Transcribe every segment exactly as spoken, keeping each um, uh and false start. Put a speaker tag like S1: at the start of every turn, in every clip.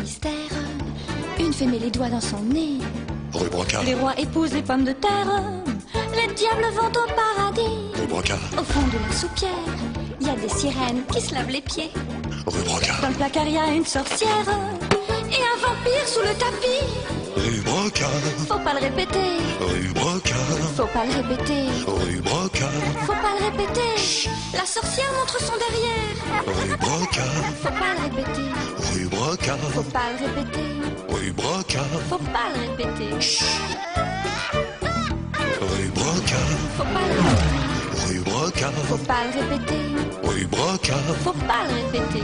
S1: mystère. Une fée met les doigts dans son nez.
S2: Rue Brocard.
S1: Les rois épousent les pommes de terre. Les diables vont au paradis.
S2: Rue Brocard.
S1: Au fond de la soupière, il y a des sirènes qui se lavent les pieds.
S2: Rue Brocard.
S1: Dans le placard, il y a une sorcière et un vampire sous le tapis.
S2: Rue Brocard.
S1: Faut pas le répéter.
S2: Rue Brocard.
S1: Faut pas le répéter.
S2: Rue Brocard.
S1: Faut pas le répéter. La sorcière montre son derrière.
S2: Rue Brocard.
S1: Faut pas le répéter.
S2: Rue Brocard.
S1: Faut pas le répéter.
S2: Rue Brocard.
S1: Faut pas le répéter.
S2: Rue Brocard.
S1: Faut pas le répéter.
S2: Rue Brocard.
S1: Faut pas le répéter.
S2: Rue Brocard.
S1: Faut pas le répéter.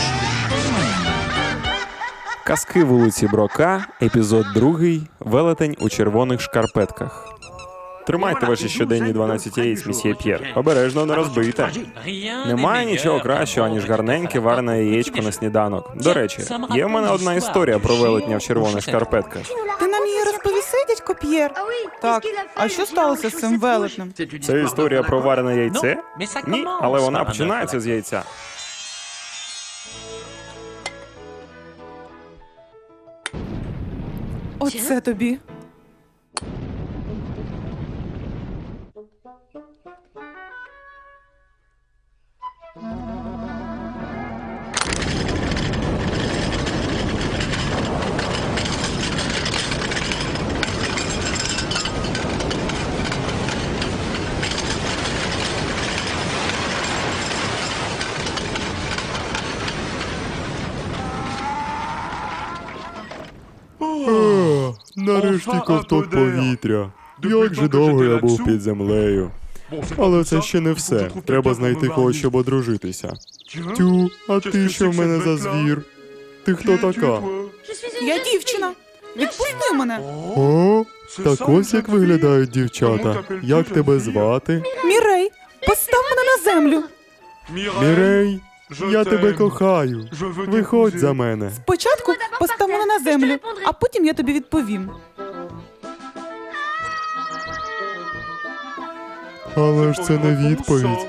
S3: Казки вулиці Брока, епізод другий. Велетень у червоних шкарпетках. Тримайте ваші щоденні дванадцять яєць, місьє П'єр. Обережно не розбийте. Немає нічого кращого, ніж гарненьке варене яєчко на сніданок. До речі, є в мене одна історія про велетня в червоних шкарпетках.
S4: Ти нам її розповіси, дядько П'єр? Так, а що сталося з цим велетнем?
S3: Це історія про варене яйце? Ні, але вона починається з яйця.
S4: Оце тобі.
S3: Нарешті ковток повітря. Як же довго я був під землею. Але це ще не все. Треба знайти когось, щоб одружитися. Тю, а ти що в мене за звір? Ти хто така?
S4: Я дівчина. Відпусти мене.
S3: О, так ось як виглядають дівчата. Як тебе звати?
S4: Мірей, постав мене на землю.
S3: Мірей, я тебе кохаю. Виходь за мене.
S4: Спочатку постав мене на землю, а потім я тобі відповім.
S3: Але ж це не відповідь.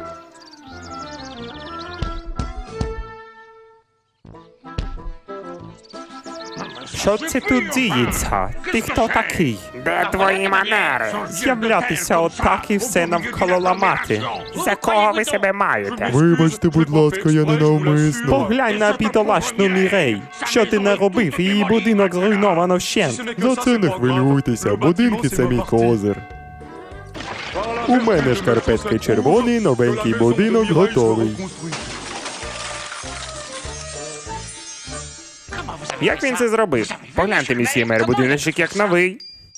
S3: Що це тут діється? Ти хто такий?
S5: Де твої манери?
S3: З'являтися отак і все навколо ламати.
S5: За кого ви себе маєте?
S3: Вибачте, будь ласка, я ненавмисно. Поглянь на бідолашну Мірей. Що ти наробив? Її будинок зруйновано вщент. За це не хвилюйтеся, будинки – це мій козир. У мене шкарпетки червоні, новенький будинок готовий.
S5: Як він це зробив? Погляньте, місьє мер, будиночок як новий.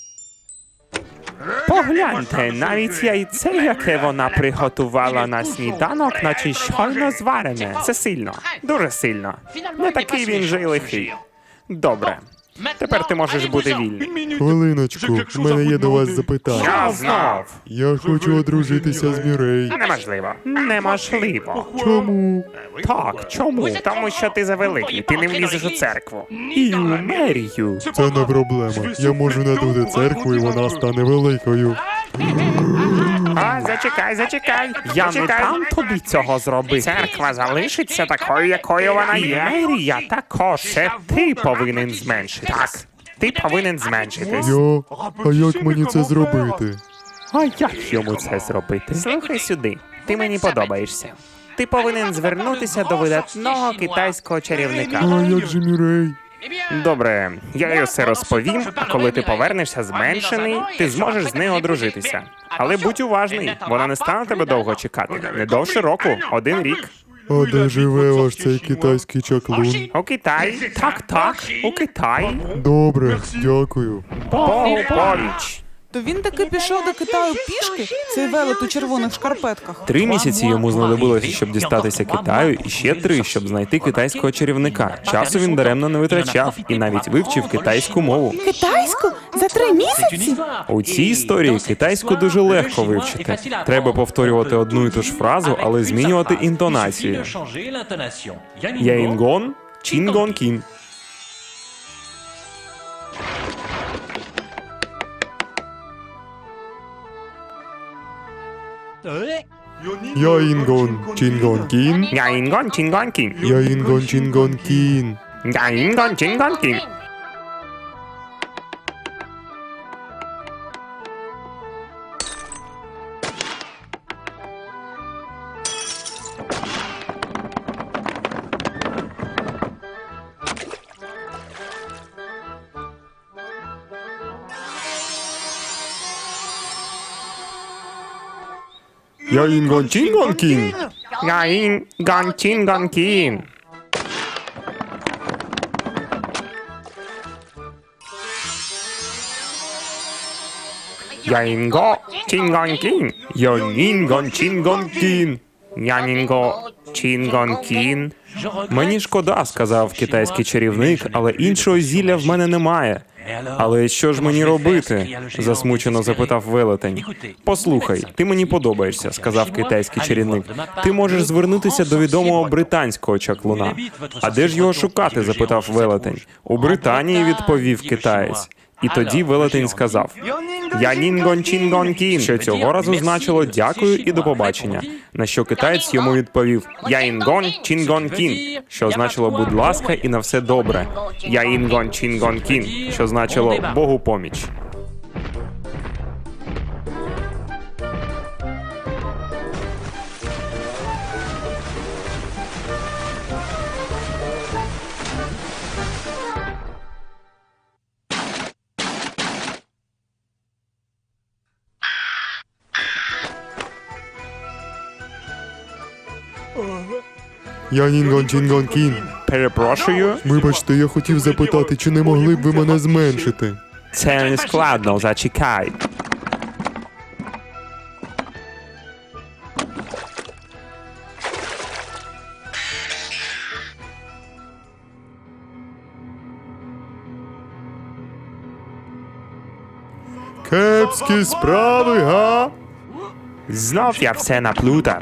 S3: Погляньте, навіть яйце, яке вона приготувала на сніданок, наче щойно зварене.
S5: Це сильно, дуже сильно. Не такий він же й лихий. Добре. Тепер ти можеш бути вільний.
S3: Хвилиночку, в мене є до вас запитання.
S5: Що знов?
S3: Я хочу одружитися з Мірей.
S5: Неможливо. Неможливо.
S3: Чому?
S5: Так, чому? Тому що ти завеликий, ти не влізеш у церкву.
S3: І у мерію. Це не проблема. Я можу надути церкву, і вона стане великою.
S5: А, зачекай, зачекай.
S3: Я не
S5: зачекай.
S3: дам тобі цього зробити.
S5: Церква залишиться такою, якою вона
S3: І
S5: є.
S3: мерія також.
S5: Це ти повинен зменшитись. Так, ти повинен зменшитись.
S3: Я? А як мені це зробити? А як йому це зробити?
S5: Слухай сюди, ти мені подобаєшся. Ти повинен звернутися до видатного китайського чарівника.
S3: А як же Мірей?
S5: Добре, я їй все розповім, а коли ти повернешся зменшений, ти зможеш з нею одружитися. Але будь уважний, вона не стане тебе довго чекати. Не довше року, один рік.
S3: А де живе ваш цей китайський чаклун?
S5: У Китаї? Так, так, у Китаї.
S3: Добре, дякую.
S5: Богу поміч.
S4: То він таки пішов до Китаю пішки, цей велет у червоних шкарпетках.
S3: Три місяці йому знадобилося, щоб дістатися Китаю, і ще три, щоб знайти китайського чарівника. Часу він даремно не витрачав і навіть вивчив китайську мову.
S4: Китайську? За три місяці?
S3: У цій історії китайську дуже легко вивчити. Треба повторювати одну і ту ж фразу, але змінювати інтонацію. Яїнгон, Чінгон Кін. Яїнгон, Чінгон Кін.
S5: Яїнгон, Чінгон, Кін.
S3: Яїнгон, Чінгон Кін.
S5: Яїн-гон-чін-гон-кін.
S3: Яїн-гон-чін-гон-кін.
S5: Яїн-гон-чін-гон-кін. Яїнго-чін-гон-кін.
S3: Яїн-гон-чін-гон-кін.
S5: Янінго-чін-гон-кін.
S3: Мені шкода, сказав китайський чарівник, але іншого зілля в мене немає. Але що ж мені робити? Засмучено запитав велетень. Послухай, ти мені подобаєшся, сказав китайський чарівник. Ти можеш звернутися до відомого британського чаклуна. А де ж його шукати? Запитав велетень. У Британії, відповів китаєць. І тоді велетень сказав «Янін-гон-чін-гон-кін», що цього разу значило «дякую і до побачення», на що китаєць йому відповів «Яїн-гон-чін-гон-кін», що значило «будь ласка і на все добре», «Яїн-гон-чін-гон-кін», що значило «Богу поміч».
S6: Янін-гон-чін-гон-кін.
S3: Перепрошую,
S6: Вибачте, я хотів запитати, чи не могли б ви мене зменшити?
S3: це не складно, зачекай.
S6: Кепські справи, га?
S5: Знов я все наплутав.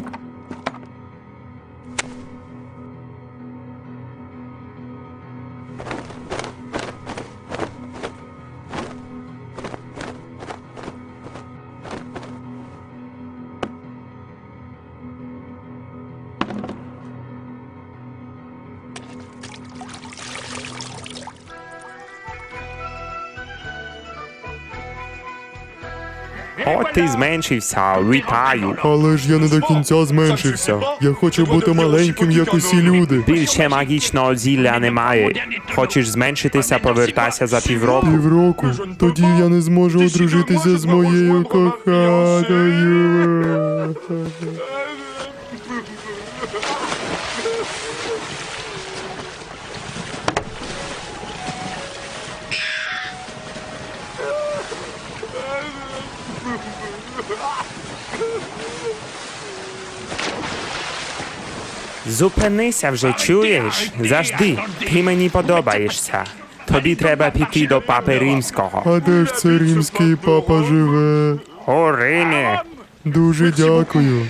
S5: От ти зменшився, вітаю.
S6: Але ж я не до кінця зменшився. Я хочу бути маленьким, як усі люди.
S5: Більше магічного зілля немає. Хочеш зменшитися, повертайся за півроку.
S6: Півроку. Тоді я не зможу одружитися з моєю коханою.
S5: Зупинися вже, чуєш? Завжди, ти мені подобаєшся. Тобі треба піти до папи римського.
S6: А де ж це римський папа живе?
S5: У Римі.
S6: Дуже дякую.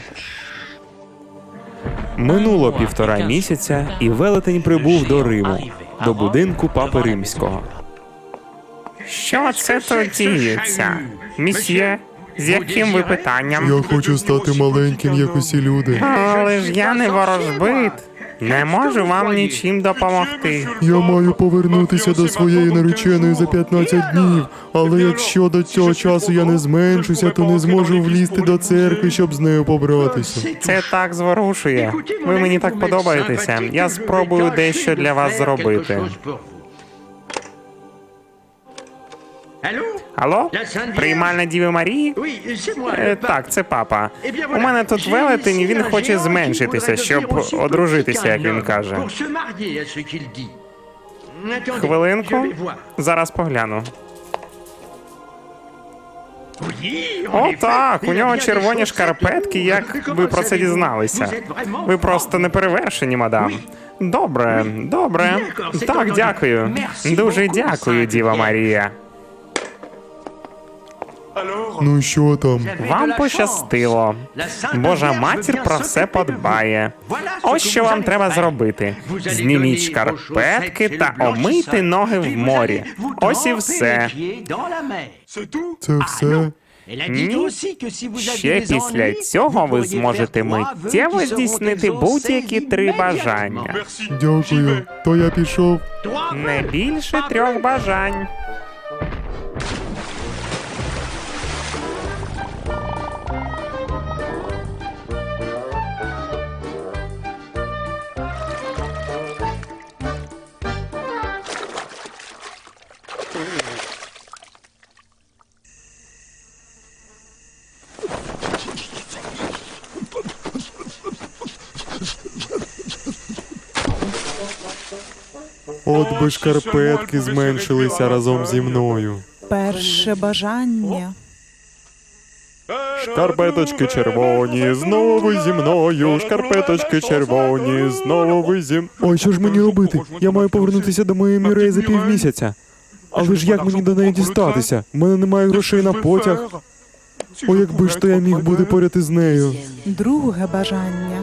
S3: Минуло півтора місяця, і велетень прибув до Риму, до будинку папи римського.
S5: Що це тут діється? Місьє, з яким ви питанням?
S6: Я хочу стати маленьким, як усі люди.
S5: Але ж я не ворожбит. Не можу вам нічим допомогти.
S6: Я маю повернутися до своєї нареченої за п'ятнадцять днів, але якщо до цього часу я не зменшуся, то не зможу влізти до церкви, щоб з нею побратися.
S5: Це так зворушує. Ви мені так подобаєтеся. Я спробую дещо для вас зробити. Алло? Приймальна Діви Марії? Е, так, це папа. У мене тут велетень, і він хоче зменшитися, щоб одружитися, як він каже. Хвилинку. Зараз погляну. О, так, у нього червоні шкарпетки, як ви про це дізналися. Ви просто неперевершені, мадам. Добре, добре. Так, дякую. Дуже дякую, Діва Марія.
S6: Ну що там?
S5: Вам пощастило. Божа матір про все подбає. Ось що вам треба зробити. Зніміть шкарпетки та омийте ноги в морі. Ось і все.
S6: Це все?
S5: Ні. Ще після цього ви зможете миттєво здійснити будь-які три бажання.
S6: Дякую. То я пішов.
S5: Не більше трьох бажань.
S6: От би шкарпетки зменшилися разом зі мною.
S4: Перше бажання.
S6: Шкарпеточки червоні, знову ви зі мною. Шкарпеточки червоні, знову ви зі мною. Ой, що ж мені робити? Я маю повернутися до моєї Мірей за півмісяця. Але ж як мені до неї дістатися? У мене немає грошей на потяг. О, якби ж то я міг бути поряд із нею.
S4: Друге бажання.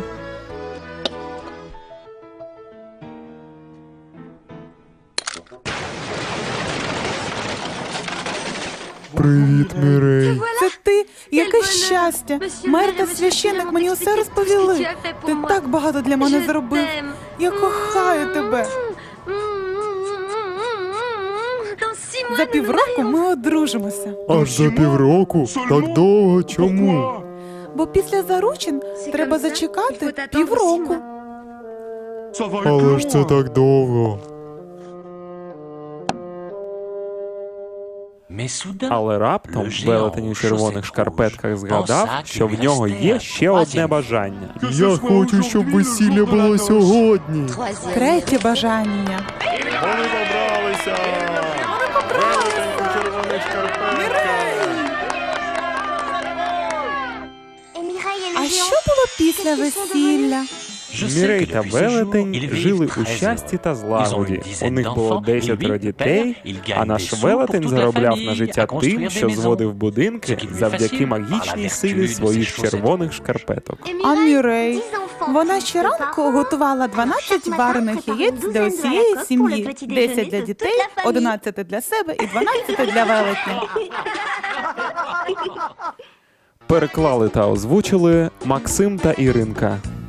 S6: Привіт, Мірей.
S4: Це ти? Яке щастя! Мер та священник мені усе розповіли. Ти так багато для мене зробив. Я кохаю тебе. За півроку ми одружимося.
S6: Аж за півроку? Так довго? Чому?
S4: Бо після заручин треба зачекати півроку.
S6: Але ж це так довго.
S3: Але раптом велетень у червоних шкарпетках згадав, що в нього є ще одне бажання.
S6: Я хочу, щоб весілля було сьогодні.
S4: Третє бажання.
S6: Вони побралися! Велетень у червоних шкарпетках!
S4: А що було після весілля?
S3: Мірей та велетень жили у щасті та злагоді. У них було десятеро дітей, а наш велетень заробляв на життя тим, що зводив будинки завдяки магічній силі своїх червоних шкарпеток.
S4: А Мірей? Вона щоранку готувала дванадцять варених яєць для усієї сім'ї. десять для дітей, одинадцять для себе і дванадцять для велетня.
S3: Переклали та озвучили Максим та Іринка.